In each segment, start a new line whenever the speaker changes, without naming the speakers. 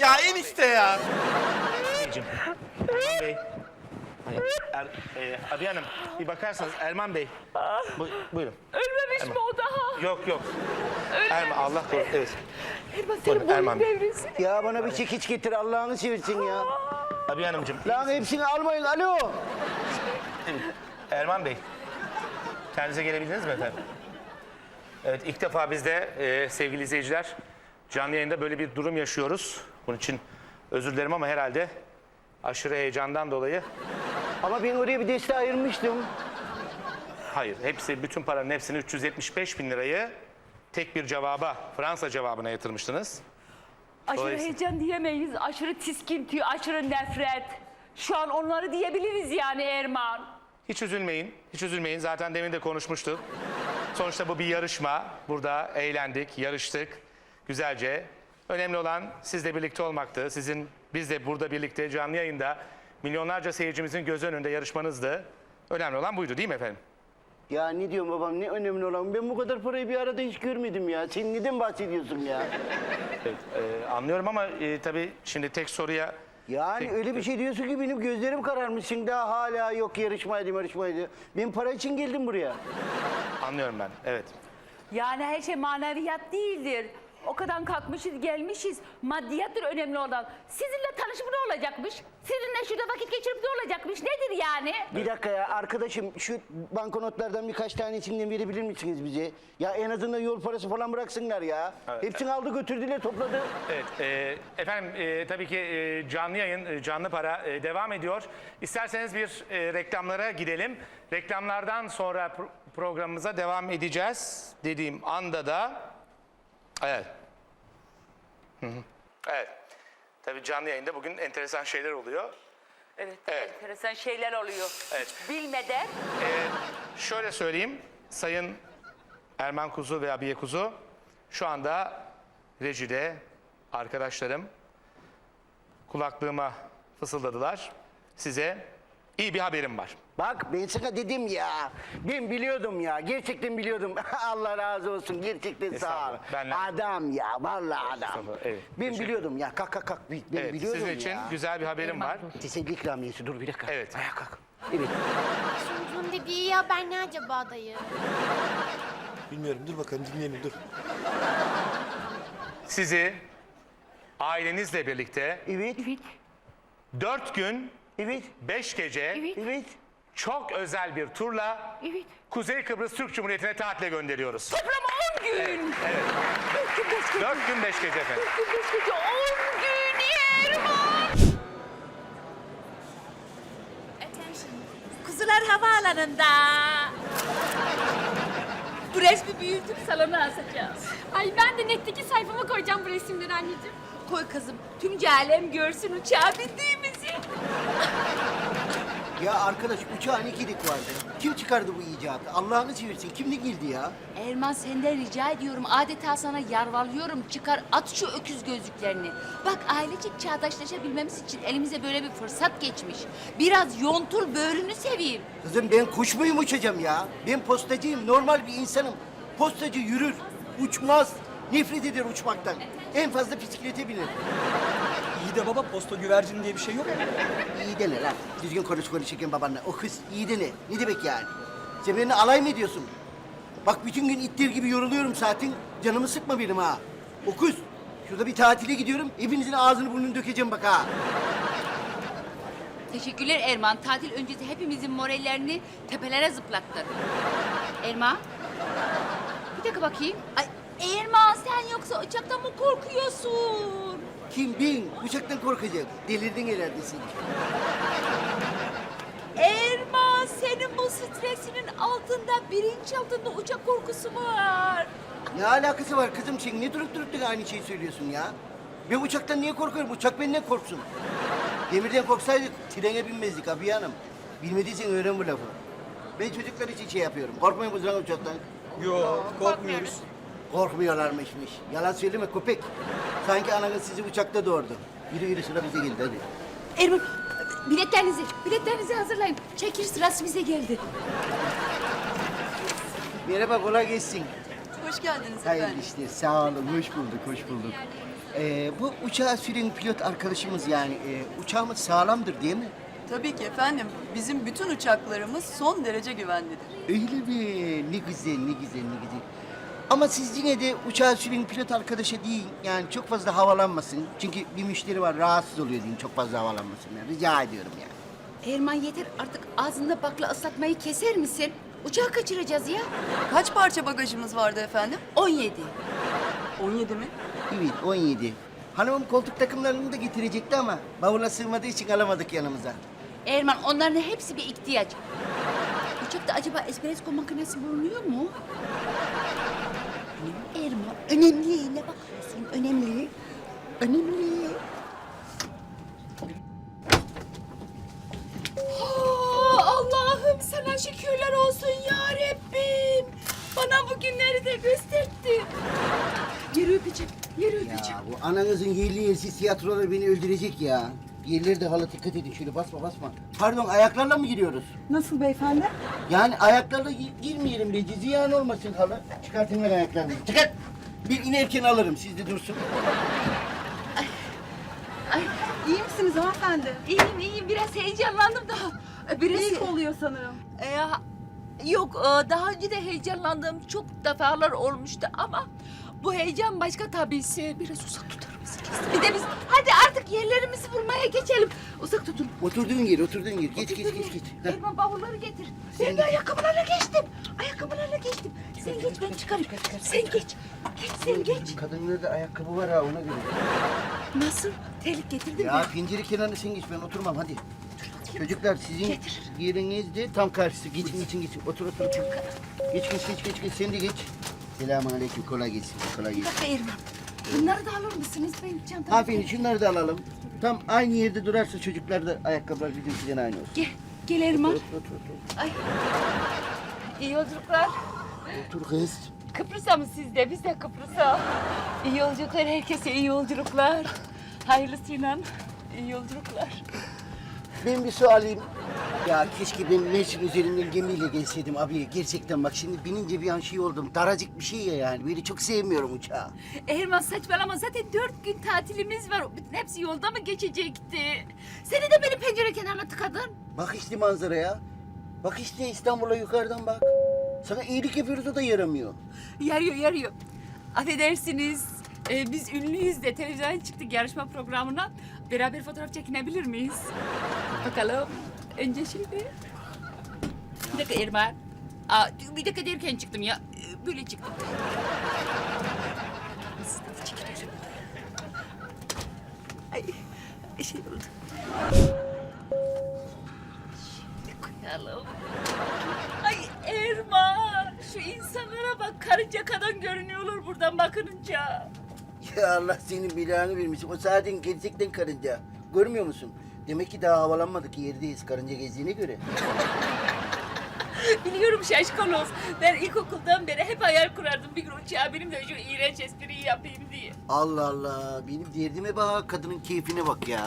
Ya enişte ya.
Beyciğim. Erman Bey. Abi Hanım bir bakarsanız Erman Bey. Buyurun.
Ölmemiş mi o daha?
Yok yok. Erman Allah korusun. Evet.
Erman
Buyurun,
senin boyun
Erman Bey.
devrilsin.
Ya bana bir çekiç getir Allah'ını seversin ya.
Abi Hanımcığım.
Lan hepsini almayın alo.
Erman Bey. Kendinize gelebildiniz mi efendim? Evet ilk defa biz de sevgili izleyiciler canlı yayında böyle bir durum yaşıyoruz. Bunun için özür dilerim ama herhalde aşırı heyecandan dolayı
Ama ben oraya bir deste ayırmıştım.
hayır. Bütün paranın hepsini 375 bin lirayı tek bir cevaba, Fransa cevabına yatırmıştınız.
Aşırı
Dolayısıyla-
heyecan diyemeyiz. Aşırı tiskinti, aşırı nefret. Şu an onları diyebiliriz yani Erman.
Hiç üzülmeyin, hiç üzülmeyin. Zaten demin de konuşmuştuk. Sonuçta bu bir yarışma. Burada eğlendik, yarıştık güzelce. Önemli olan sizle birlikte olmaktı. Biz de burada birlikte canlı yayında milyonlarca seyircimizin göz önünde yarışmanızdı. Önemli olan buydu değil mi efendim?
Ya ne diyorsun babam ne önemli olan ben bu kadar parayı bir arada hiç görmedim ya. Sen neden bahsediyorsun ya?
Evet, anlıyorum ama tabii şimdi tek soruya...
Yani öyle bir şey diyorsun ki benim gözlerim kararmış. Şimdi daha hala yok yarışmaydı. Ben para için geldim buraya.
Anlıyorum ben, evet.
Yani her şey maneviyat değildir. O kadar kalkmışız, gelmişiz. Maddiyattır önemli olan. Sizinle tanışıp ne olacakmış? Sizinle şurada vakit geçirip ne olacakmış? Nedir yani?
Bir dakika ya arkadaşım şu banknotlardan birkaç tanesinden verebilir misiniz bize? Ya en azından yol parası falan bıraksınlar ya.
Evet,
Hepsini aldı götürdüler topladı.
Evet, efendim tabii ki canlı yayın, canlı para devam ediyor. İsterseniz bir reklamlara gidelim. Reklamlardan sonra programımıza devam edeceğiz dediğim anda da... Evet. Hı hı. Evet. Tabii canlı yayında bugün enteresan şeyler oluyor.
Evet,
Evet.
enteresan şeyler oluyor.
Evet.
Hiç bilmeden.
Şöyle söyleyeyim, Sayın Erman Kuzu ve Abiye Kuzu şu anda rejide arkadaşlarım kulaklığıma fısıldadılar. Size iyi bir haberim var.
Bak ben sana dedim ya. Ben biliyordum ya. Gerçekten biliyordum. Allah razı olsun. Gerçekten sağ ol.
Estağfurullah, benle-
Adam ya. Vallahi adam.
Estağfurullah, evet.
Ben
Teşekkür-
biliyordum ya. Kalk. Ben
Evet,
biliyordum
sizin için
ya.
güzel bir haberim var.
Teselli ikramiyesi. Dur bir dakika.
Evet.
Ayağa kalk. Evet.
Sunucunun dediği iyi haber ne acaba dayı?
Bilmiyorum dur bakalım dinleyelim dur.
Sizi ailenizle birlikte
Evet.
4 gün
Evet.
5 gece
Evet.
çok özel bir turla
Evet.
Kuzey Kıbrıs Türk Cumhuriyeti'ne tatile gönderiyoruz.
Toplam 10 gün.
Evet. 4 gün 5 gece efendim.
10 gün Erman.
Kuzular havaalanında. Bu resmi büyütüp salona asacağız.
Ay ben de netteki sayfama koyacağım bu resimleri anneciğim.
Koy kızım, tüm alem görsün uçağa bindiğimizi.
Ya arkadaş uçağın 2 dik vardı. Kim çıkardı bu icadı? Allah'ını seversin. Kim ne girdi ya?
Erman senden rica ediyorum, adeta sana yalvarıyorum. Çıkar at şu öküz gözlüklerini. Bak ailecek çağdaşlaşabilmemiz için elimize böyle bir fırsat geçmiş. Biraz yontul böğrünü seveyim.
Kızım ben kuş muyum uçacağım ya? Ben postacıyım. Normal bir insanım. Postacı yürür. Uçmaz. Nefret eder uçmaktan. En fazla bisiklete biner.
İyi de baba posta güvercin diye bir şey yok.
İyi dene lan. Düzgün konuşurken babanla. O kız iyi dene. Ne demek yani? Sen benimle alay mı ediyorsun? Bak bütün gün ittir gibi yoruluyorum zaten. Canımı sıkma benim ha. O kız. Şurada bir tatile gidiyorum. Hepinizin ağzını burnunu dökeceğim bak ha.
Teşekkürler Erman. Tatil öncesi hepimizin morallerini tepelere zıplattın. Erman. Bir dakika bakayım. Ay Erman sen yoksa uçaktan mı korkuyorsun?
Kim ben? Uçaktan korkacak. Delirdin herhalde sen.
Erman senin bu stresinin altında, bilinç altında uçak korkusu var.
Ne alakası var kızım sen? Ne durup aynı şeyi söylüyorsun ya? Ben uçaktan niye korkuyorum? Uçak benden korksun. Demirden korksaydık trene binmezdik abi hanım. Bilmediysen öğren bu lafı. Ben çocuklar için şey yapıyorum. Korkmuyor musun lan uçaktan?
Yok korkmuyoruz.
Korkmuyorlarmışmış. Yalan söyleme köpek. Sanki ananız sizi uçakta doğurdu. Yürü sıra bize geldi hadi.
Erman biletlerinizi hazırlayın. Çekil sırası bize geldi.
Merhaba kolay gelsin.
Hoş
hoş geldiniz
Hayırlı
efendim.
işler. Sağ olun. Hoş bulduk, hoş bulduk. Bu uçağı süren pilot arkadaşımız yani uçağımız sağlamdır değil mi?
Tabii ki efendim. Bizim bütün uçaklarımız son derece güvenlidir.
Öyle mi? Ne güzel, ne güzel, ne güzel. Ama siz yine de uçağı süren pilot arkadaşa değil, yani çok fazla havalanmasın. Çünkü bir müşteri var, rahatsız oluyor deyin, çok fazla havalanmasın. Yani. Rica ediyorum yani.
Erman yeter artık ağzında bakla ıslatmayı keser misin? Uçağı kaçıracağız ya.
Kaç parça bagajımız vardı efendim?
17.
17 mi?
Evet, 17. Hanımım koltuk takımlarını da getirecekti ama bavula sığmadığı için alamadık yanımıza.
Erman onların hepsi bir ihtiyaç. Uçakta acaba espresso makinesi bulunuyor mu? Erman önemli. Ne bakıyorsun? Önemli. Önemli. Allah'ım sana şükürler olsun ya Rabbim. Bana bu günleri de gösterdin. Yürü öpeceğim. Yürü öpeceğim.
Ya bu ananızın yerli yersiz tiyatroları beni öldürecek ya. Yerleri de hala dikkat edin şöyle basma basma. Pardon ayaklarla mı giriyoruz?
Nasıl beyefendi?
Yani ayaklarla girmeyelim Beci. Ziyan olmasın halı. Çıkartın ver ayaklarını. Çıkart. Bir inerken alırım. Siz de dursun.
İyi misiniz hanımefendi?
İyiyim. Biraz heyecanlandım da. Biraz...
İlk oluyor sanırım.
Yok, daha önce de heyecanlandığım çok defalar olmuştu ama bu heyecan başka tabisi. Biraz uzak tutar mısınız? Bir de biz hadi artık yerlerimizi bulmaya geçelim. Uzak tutun.
Oturduğun yer. Geç. Heh.
Erman bavulları getir.
Sen
Ben de ayakkabılarla geçtim. Sen geç ben çıkarım. Sen geç. Sen geç.
Kadınlarda ayakkabı var ha ona göre.
Nasıl? Terlik getirdin mi?
Ya pencere kenarına sen geç ben oturmam hadi. Çocuklar sizin yeriniz de tam karşısı. Geçin. Otur. Geç. Sen de geç. Selamünaleyküm. Kolay gelsin.
Bak Erman. Bunları da alır mısınız? Benim çantamı.
Aferin şunları da alalım. Tam aynı yerde durarsa çocuklar da ayakkabılar bizimkinden aynı olsun.
Gel Erman.
Otur.
Ay. İyi yolculuklar.
Otur kız.
Kıbrıs'a mı siz de? Biz de Kıbrıs'a. İyi yolculuklar herkese, iyi yolculuklar. Hayırlısıyla iyi yolculuklar.
Ben bir su alayım. Ya keşke ben Mersin üzerinden gemiyle gelseydim abi. Gerçekten bak şimdi binince bir an şey oldum. Daracık bir şey ya yani. Böyle çok sevmiyorum uçağı.
Erman saçmalama zaten 4 gün tatilimiz var. Bütün hepsi yolda mı geçecekti? Seni de beni pencere kenarına tıkadın.
Bak işte manzaraya. Bak işte İstanbul'a yukarıdan bak. Sana iyilik yapıyoruz o da yaramıyor.
Yarıyor. Affedersiniz. Biz ünlüyüz de televizyona çıktık yarışma programına. Beraber fotoğraf çekinebilir miyiz? Bakalım. Önce şimdi. Bir dakika Erman. Bir dakika derken çıktım ya. Böyle çıktım. Nasıl çekilir? Ay şey oldu. Şimdi koyalım. Ay Erman. Şu insanlara bak karınca kadar görünüyorlar buradan bakınca.
Ya Allah senin belanı vermesin. O zaten gerçekten karınca. Görmüyor musun? Demek ki daha havalanmadık yerdeyiz karınca gezdiğine göre.
Biliyorum şaşkaloz. Ben ilkokuldan beri hep hayal kurardım. Bir gün uçağa benim de şu iğrenç espriyi yapayım diye.
Allah Allah. Benim derdime bak. Kadının keyfine bak ya.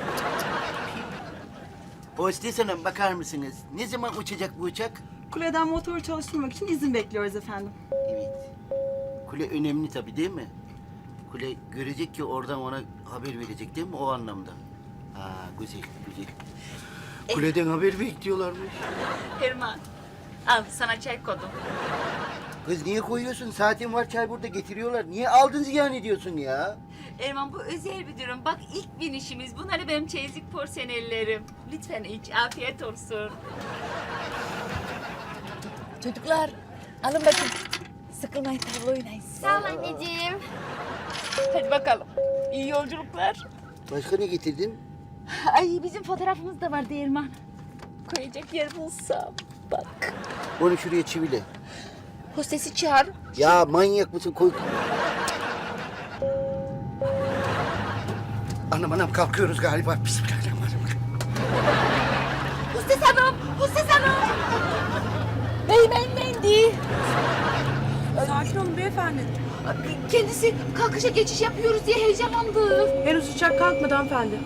Hostes hanım bakar mısınız? Ne zaman uçacak bu uçak?
Kuleden motoru çalıştırmak için izin bekliyoruz efendim.
Evet. Kule önemli tabii değil mi? Kule görecek ki oradan ona haber verecek değil mi o anlamda? Ha güzel. Kuleden haber bekliyorlarmış.
Erman al sana çay koydum.
Kız niye koyuyorsun? Saatin var çay burada getiriyorlar. Niye aldın ziyan ediyorsun ya?
Erman bu özel bir durum. Bak ilk binişimiz. Bunları benim çeyizlik porseneillerim. Lütfen iç. Afiyet olsun. Çocuklar alın bakın. Sıkılmayın tavla oynayın.
Sağ ol anneciğim.
Hadi bakalım. İyi yolculuklar.
Başka ne getirdin?
Ay bizim fotoğrafımız da vardı Erman. Koyacak yer bulsam. Bak.
Onu şuraya çivile.
Hostesi çağır.
Ya manyak mısın? Koy. Anam kalkıyoruz galiba. Bismillahirrahmanirrahim.
Hostes hanım. Beyefendi.
Sakin olun beyefendi.
Kendisi kalkışa geçiş yapıyoruz diye heyecanlandı.
Henüz uçak kalkmadı hanımefendi.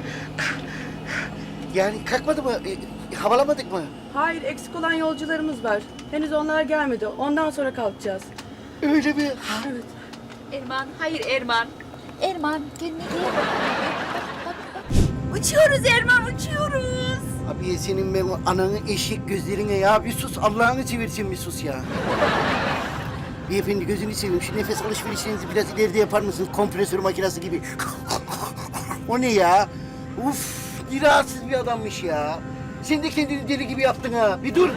Yani kalkmadı mı? Havalamadık mı?
Hayır, eksik olan yolcularımız var. Henüz onlar gelmedi. Ondan sonra kalkacağız.
Öyle mi?
Erman, hayır Erman. Erman, kendine gel. Bak. Uçuyoruz Erman, uçuyoruz.
Abi senin ben o ananı eşek gözlerine ya bir sus Allah'ını seversen bir sus ya. Beyefendi gözünü seveyim şu nefes alışverişinizi biraz ileride yapar mısınız kompresör makinesi gibi? O ne ya? Uf bir rahatsız bir adammış ya. Sen de kendini deli gibi yaptın ha. Bir dur.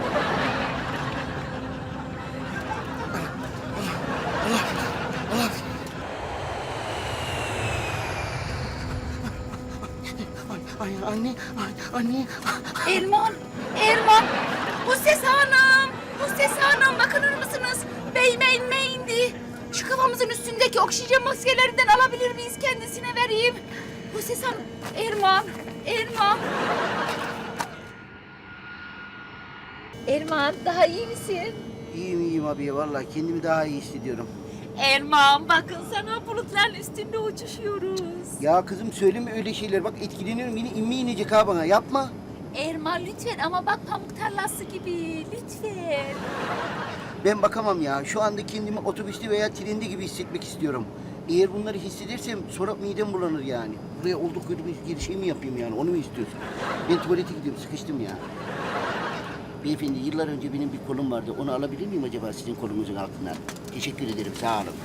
Ay anne.
Erman. Husses Hanım. Husses Hanım, bakınır mısınız? Beyime inme indi. Şu kafamızın üstündeki oksijen maskelerinden alabilir miyiz? Kendisine vereyim. Husses Hanım, Erman. Erman, daha iyi misin?
İyiyim abi vallahi kendimi daha iyi hissediyorum.
Erman, bakın sana bulutların üstünde uçuşuyoruz.
Ya kızım söyleme öyle şeyler bak etkileniyorum yine inme inecek ha bana yapma.
Erman lütfen ama bak pamuk tarlası gibi lütfen.
Ben bakamam ya. Şu anda kendimi otobüste veya trende gibi hissetmek istiyorum. Eğer bunları hissedersem sonra midem bulanır yani. Buraya olduk bir şey mi yapayım yani? Onu mu istiyorsun? Ben tuvalete gidiyorum. Sıkıştım ya. Beyefendi yıllar önce benim bir kolum vardı. Onu alabilir miyim acaba sizin kolunuzun altından? Teşekkür ederim. Sağ olun.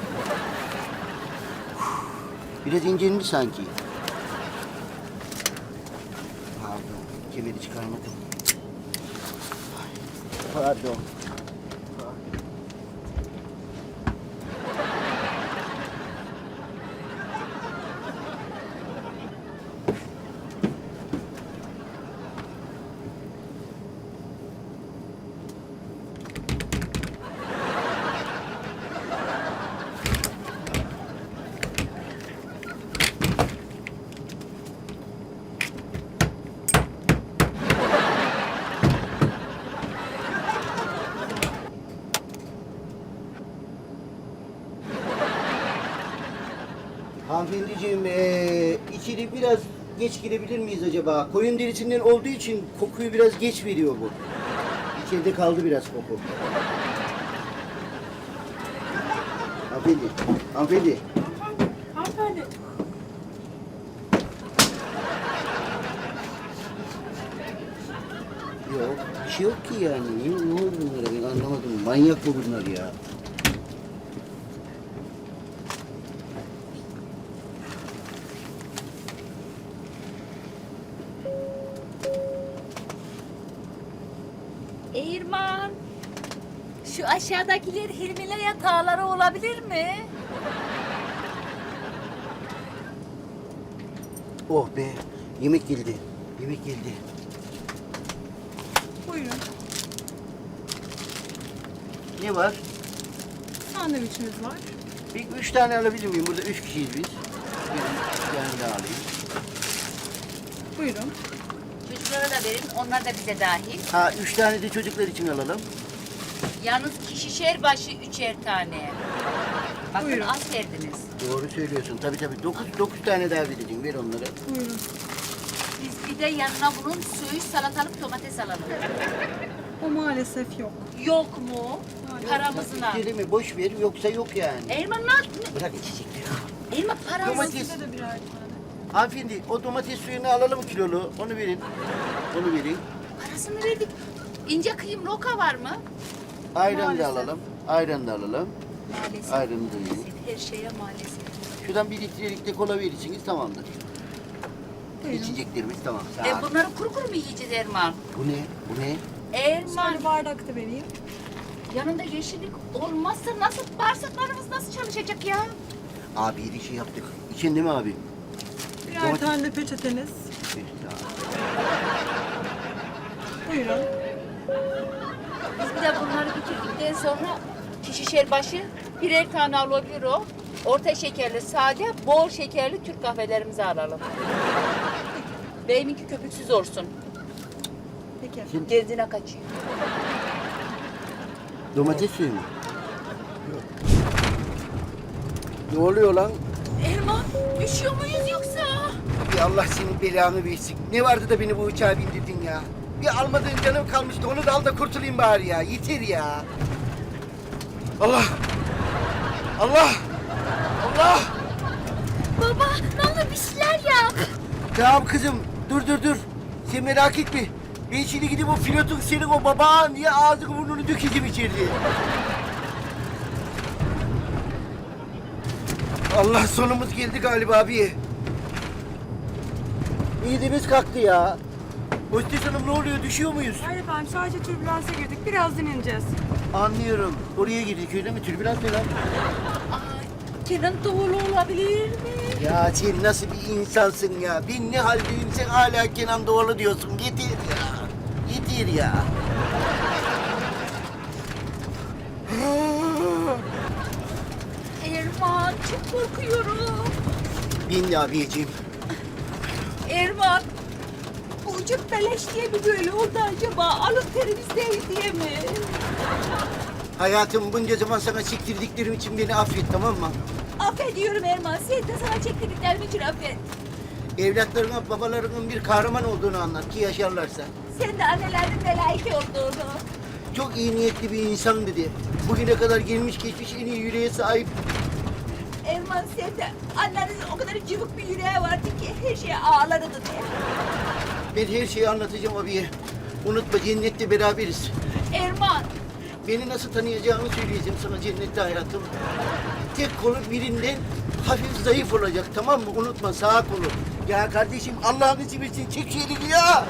Biraz incelmiş sanki. Pardon. Kemeri çıkarmadım. Pardon. Hanımefendiciğim, içeri biraz geç girebilir miyiz acaba? Koyun derisinden olduğu için kokuyu biraz geç veriyor bu. İçeride kaldı biraz koku. Hanımefendi.
Hanımefendi.
Yok, bir şey yok ki yani. Ne oldu bunlara ben anlamadım. Manyak bu bunlar ya.
Erman, şu aşağıdakiler Hilmi'yle yatağları olabilir mi?
Oh be, yemek geldi. Yemek geldi.
Buyurun.
Ne var?
Sandviçimiz var.
Bir 3 tane alabilir miyim? Burada 3 kişiyiz biz. Bir tane daha alayım.
Buyurun.
Çocuklara da verin, onlar da bize dahil.
Ha 3 tane de çocuklar için alalım.
Yalnız kişişer başı 3'er tane. Bakın
Buyurun.
az verdiniz.
Doğru söylüyorsun. Tabii. 9 tane daha vereceğim. Ver onları.
Buyurun.
Biz bir de yanına bunun söğüş salatalık domates alalım.
O maalesef yok.
Yok mu? Paramızına.
Kelime boş ver yoksa yok yani.
Erman ne?
Bırak içecekleri.
Erman paramız.
Domates.
Size de birer tane.
Hanımefendi o domates suyunu alalım kilolu. Onu verin. Onu verin.
Parasını verdik. İnce kıyım roka var mı?
Ayran da
Maalesef.
alalım. Ayran da alalım.
Maalesef.
Ayranı da verin.
Her şeye maalesef.
Şuradan 1 litrelik de kola verirsiniz tamamdır.
Buyurun.
İçeceklerimiz tamam. Sağ ol.
Bunları kuru kuru mu yiyeceğiz Erman?
Bu ne? Bu ne?
Erman,
Şöyle bardak da vereyim.
yanında yeşillik olmazsa nasıl bağırsaklarımız nasıl çalışacak ya?
Abi bir şey yaptık. İçin değil mi abi?
Birer
Domates-
tane de peçeteniz. Buyurun.
Biz bir de bunları bitirdikten sonra kişişer başı birer tane alabilir o. Orta şekerli, sade, bol şekerli Türk kahvelerimizi alalım. Beyiminki köpüksüz olsun.
Peki.
Gezine kaçıyor.
Domates suyu mu? Ne oluyor lan?
Erman, üşüyor muyuz yoksa?
Ya Allah senin belanı versin. Ne vardı da beni bu uçağa bindirdin ya? Bir almadığın canım kalmıştı. Onu da al da kurtulayım bari ya. Yeter ya. Allah! Allah! Allah!
Baba ne olur bir şeyler yap.
Tamam kızım, dur. Sen merak etme. Ben şimdi gidip o pilotun senin o baban diye ağzını burnunu dökeceğim içeride. Allah sonumuz geldi galiba abi. İyidimiz kalktı ya. Hostes hanım ne oluyor, düşüyor muyuz?
Hayır efendim sadece türbülansa girdik. Birazdan ineceğiz.
Anlıyorum. Oraya girdik öyle mi? Türbülans ne lan?
Kenan Doğulu olabilir mi?
Ya sen nasıl bir insansın ya? Ben ne haldeyim sen hala Kenan Doğulu diyorsun. Yeter ya. Yeter ya.
Erman çok korkuyorum.
Ben de abiyeciğim.
Erman bu uçak beleş diye mi böyle oldu acaba? Alın terimiz değil diye mi?
Hayatım bunca zaman sana çektirdiklerim için beni affet, tamam mı?
Affediyorum Erman. Sen de sana çektirdiklerim için affet.
Evlatlarına babalarının bir kahraman olduğunu anlat ki yaşarlarsa.
Sen de annelerinin melayik olduğunu.
Çok iyi niyetli bir insan dedi. Bugüne kadar gelmiş geçmiş en iyi yüreğe sahip.
Erman sen de annenin o kadar cıvık bir yüreği vardı ki her şeye ağlardı diye.
Ben her şeyi anlatacağım abiye. Unutma cennette beraberiz.
Erman
Beni nasıl tanıyacağını söyleyeceğim sana cennette hayatım. Tek kolu birinden hafif zayıf olacak, tamam mı? Unutma, sağ kolu. Ya kardeşim Allah'ını seversen çek şu elini ya.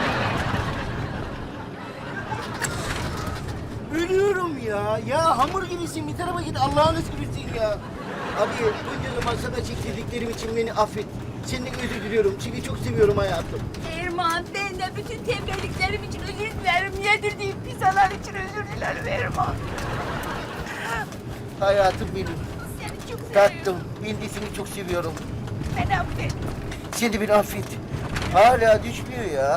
Ölüyorum ya. Ya hamur gibisin, bir tarafa git Allah'ını seversen ya. Abi bunca zaman sana çektirdiklerim için beni affet. Senden özür diliyorum. Seni çok seviyorum hayatım.
Erman ben de bütün tembelliklerim için özür dilerim. Yedirdiğim pizzalar için özür dilerim Erman.
Hayatım benim.
Seni çok seviyorum.
Tatlım. Ben de seni çok seviyorum.
Beni affet.
Sen de beni affet. Hala düşmüyor ya.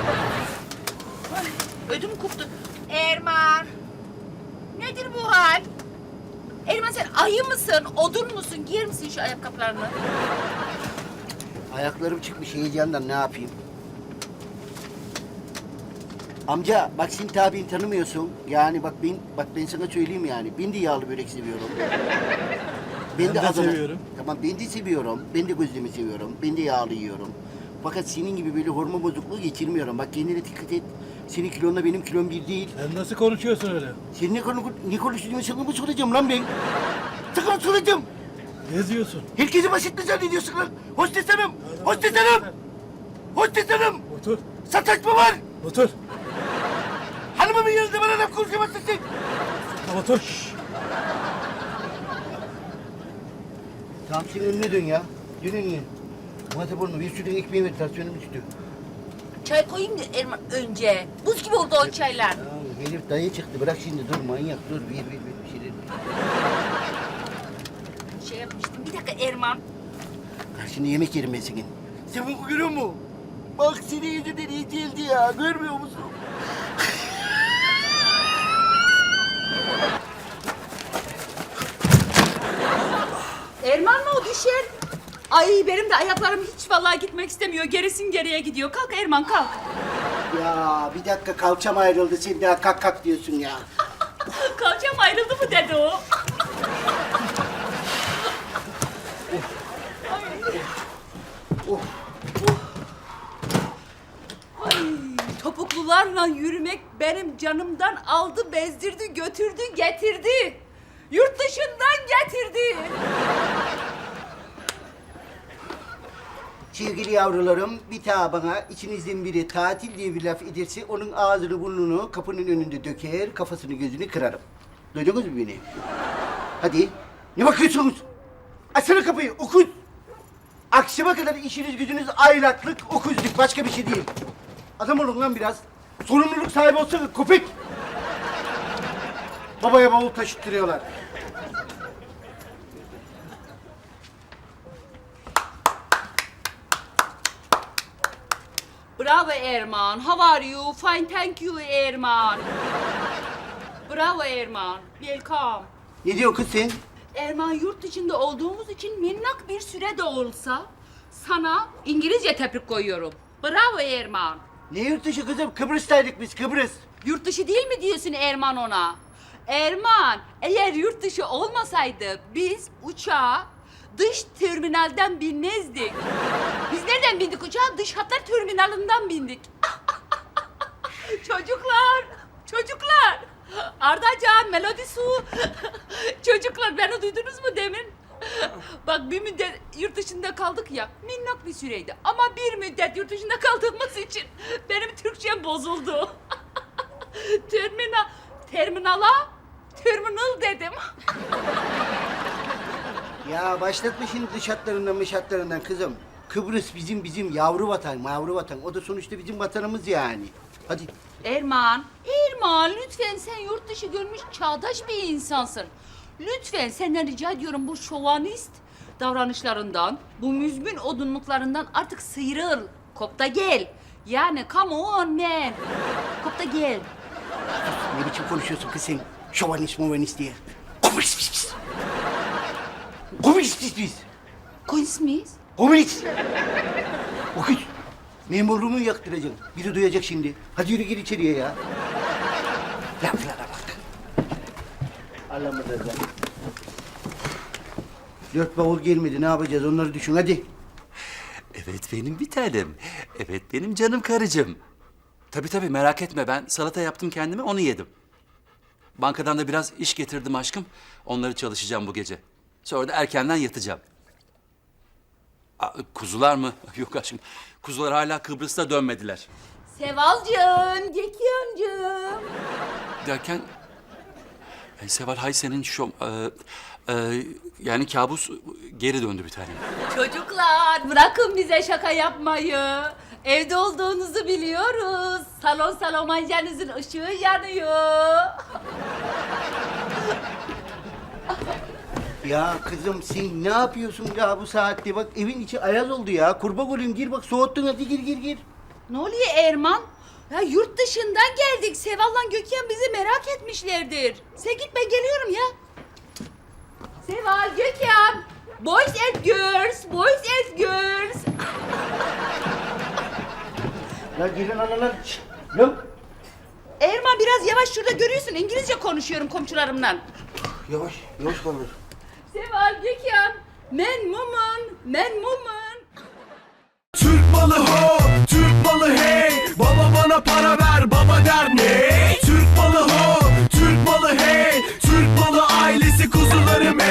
Ödüm koptu. Erman. Nedir bu hal? Erman sen ayı mısın, odun musun? Giyer misin şu ayakkabılarını?
Ayaklarım çıkmış heyecandan, ne yapayım? Amca bak sen tabiini tanımıyorsun. Yani bak ben sana söyleyeyim yani. Ben de yağlı börek seviyorum. Ben de seviyorum. Tamam ben de seviyorum. Ben de gözlemi seviyorum. Ben de yağlı yiyorum. Fakat senin gibi böyle hormon bozukluğu geçirmiyorum. Bak kendine dikkat et. Senin kilonla benim kilom bir değil.
Sen nasıl konuşuyorsun öyle?
Sen ne konuştuğunu sana mı soracağım lan ben? Sakın soracağım.
Ne diyorsun?
Herkesi basit mi zannediyorsun lan? Hostes hanım! Hostes hanım! Hostes hanım!
Otur,
Sataşma var!
otur.
Hanımımın yanında bana laf konuşamazsın sen!
Otur.
Tamam sen önüne dön ya. Dön önüne. Muhatap olma. Bir sürü ekmeği ver. Tansiyonum düştü.
Çay koyayım da Erman önce. Buz gibi oldu o çaylar.
Tamam herif dayı çıktı. Bırak şimdi dur manyak dur. Ver bir şeyler.
Şey yapmıştım. Bir dakika Erman.
Bak şimdi yemek yerim ben senin. Sen bunu görüyor musun? Bak senin yüzünden iyi geldi ya. Görmüyor musun?
Erman mı o düşer? Ay benim de ayaklarım hiç vallahi gitmek istemiyor. Gerisin geriye gidiyor. Kalk Erman kalk.
Ya bir dakika kalçam ayrıldı. Sen daha kalk diyorsun ya.
Kalçam ayrıldı mı dedi o.
Oh.
Ay, topuklularla yürümek benim canımdan aldı, bezdirdi, götürdü, getirdi. Yurt dışından getirdi.
Sevgili yavrularım, bir daha bana içinizden biri tatil diye bir laf ederse onun ağzını burnunu kapının önünde döker, kafasını gözünü kırarım. Duydunuz mu beni? Hadi. Ne bakıyorsunuz? Açsana kapıyı, okuz. Akşama kadar işiniz gücünüz aylaklık, okuzluk, başka bir şey değil. Adam olun lan biraz. Sorumluluk sahibi olsana köpek. Babaya bavul taşıttırıyorlar.
Bravo Erman. How are you? Fine, thank you Erman. Bravo Erman. Welcome.
Ne diyor kız sen?
Erman yurt dışında olduğumuz için minnak bir süre de olsa sana İngilizce tebrik koyuyorum. Bravo Erman.
Ne yurt dışı kızım? Kıbrıs'taydık biz, Kıbrıs.
Yurt dışı değil mi diyorsun Erman ona? Erman, eğer yurt dışı olmasaydı biz uçağa dış terminalden binmezdik. Biz nereden bindik uçağa? Dış hatlar terminalinden bindik. Çocuklar. Ardacan, Melodi Su. Çocuklar beni duydunuz mu demin? Bak bir müddet yurt dışında kaldık ya, minnak bir süreydi. Ama bir müddet yurt dışında kaldığımız için benim Türkçem bozuldu. Terminal dedim.
Ya başlatma şimdi dış hatlarından kızım. Kıbrıs bizim yavru vatan. O da sonuçta bizim vatanımız yani. Hadi.
Erman lütfen sen yurt dışı görmüş çağdaş bir insansın. Lütfen senden rica ediyorum bu şovanist davranışlarından, bu müzmin odunluklarından artık sıyrıl. Kop da gel. Yani come on man. Kop da gel.
Ne biçim konuşuyorsun kız sen? Şovanist diye. Komünist biz. Komünist biz.
Koyuz muyuz?
Komünist. O kız. Memurluğumu yaktıracaksın. Biri duyacak şimdi. Hadi yürü gir içeriye ya. Laflara bak. Allah'ım da. 4 bavul gelmedi. Ne yapacağız? Onları düşün hadi.
Evet benim bir tanem. Evet benim canım karıcığım. Tabii merak etme, ben salata yaptım kendime, onu yedim. Bankadan da biraz iş getirdim aşkım. Onları çalışacağım bu gece. Sonra da erkenden yatacağım. Kuzular mı? Yok aşkım. Kuzular hala Kıbrıs'ta dönmediler.
Sevalcığım, Gekiyoncuğum.
Derken... Seval, hay senin yani kabus geri döndü bir tanem.
Çocuklar bırakın bize şaka yapmayı. Evde olduğunuzu biliyoruz. Salon mancanızın ışığı yanıyor.
Ya kızım sen ne yapıyorsun ya bu saatte? Bak evin içi ayaz oldu ya. Kurban olayım gir bak soğuttun hadi gir.
Ne oluyor Erman? Ya yurt dışından geldik. Seval'la Gökhan bizi merak etmişlerdir. Sen git ben geliyorum ya. Seval, Gökhan. Boys and girls.
Ya gelin analar. Şşt, yok.
Erman biraz yavaş, şurada görüyorsun. İngilizce konuşuyorum komşularımla.
Yavaş kalır.
Seval, Gökhan. Men mumun.